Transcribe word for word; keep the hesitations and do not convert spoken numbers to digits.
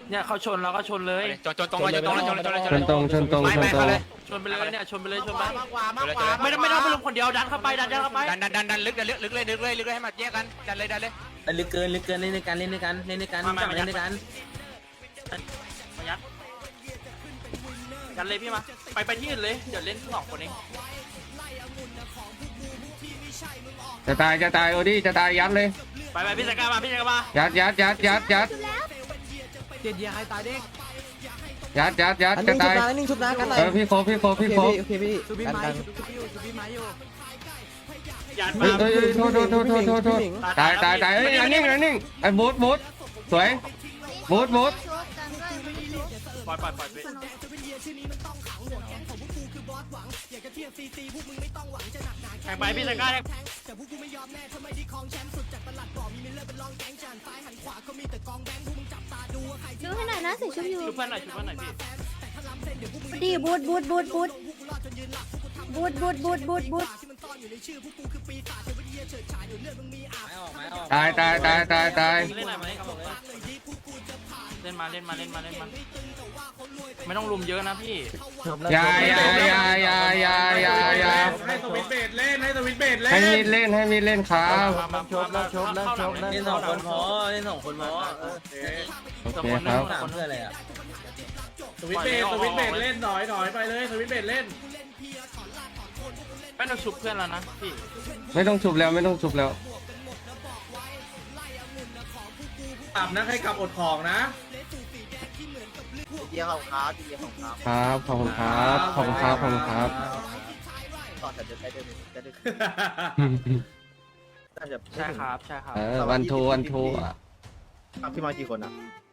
เนี่ยเขาชนเราก็ชนเลยจนจนตรงมาจนตรงมาจนจนชนตรงชนตรงไม่ชนไม่ตรเขางเลยชนไปเลยเนี่ยชนไปเลยชนไปมากกว่ามากกว่าไม่ต้องไม่ต้องไปลุมคนเดียวดันเข้าไปดันดันเข้าไปดันดันดันดันลึกดันลึกลึกเลยลึกเลยลึกเลยให้มาแยกกันดันเลยดันเลยลึกเกินลึกเกินเล่นในการเล่นในการเล่นในการจับเล่นในการมายัดยัดเลยพี่มาไปไปที่อื่นเลยเดี๋ยวเล่นสองคนเองจะตายจะตายโอดี้จะตายยัดเลยไปไปพี่สกามาพี่สกามายัดยัดยัดยัดยัดเจ็ดเดียใครตายเด้งยัดยัดยัดอันจะนิ่งชุตาบยนะอันนิ่งชุบนะกันหน่อยเออพี่โคพี่โคโอพี่เคโคพี่โอเคพี่ชูบี้กันไม้กันชูบี้ชูบี้ไม้อยู่ยัดเฮ้มายเฮ้ยโทษโทษโทษโทษโทษโทษตายตายตายเฮ้ยอันนิ่งอันนิ่งไอ้บูทบูทสวยบูทบูทปล่อยปล่อยปล่อยไปแข่งไปพี่สกาแข่งดูให้หน่อยนะใส่ชุดอยู่ชุบเพื่อนหน่อยชุบเพื่อนหน่อยพี่ดีบูดบูดบูดบูดบูดบูดบูดบูดบูดตายตายตายตายตายเล่นอะไรมาเล่นครับเล่นมาเล่นมาเล่นมาเล่นมาไม่ต้องลุมเยอะนะพี่อย่าอย่าอย่าอย่าอย่าอย่าอย่าให้สวิตเบดเล่นให้สวิตเบดเล่นให้มีดเล่นให้มีดเล่นครับชบแล้วชบแล้วชบแล้วเล่นสองคนพอเล่นสองคนพอโอเคครับสามเพื่ออะไรอ่ะสวิตเบดสวิตเบดเล่นถอยถอยไปเลยสวิตเบดเล่นไม่ต้องชุบเพื่อนแล้วนะพี่ไม่ต้องชุบแล้วไม่ต้องชุบแล้วกลับนะใครกลับอดของนะเดียของเขาเดียของเขาครับขอบคุณครับขอบคุณครับขอบคุณครับต่อจากจะใช้ได้จะได้น่าจะใช่ครับใช่ครับเออวันทูวันทูอ่ะพี่มากี่คนอ่ะ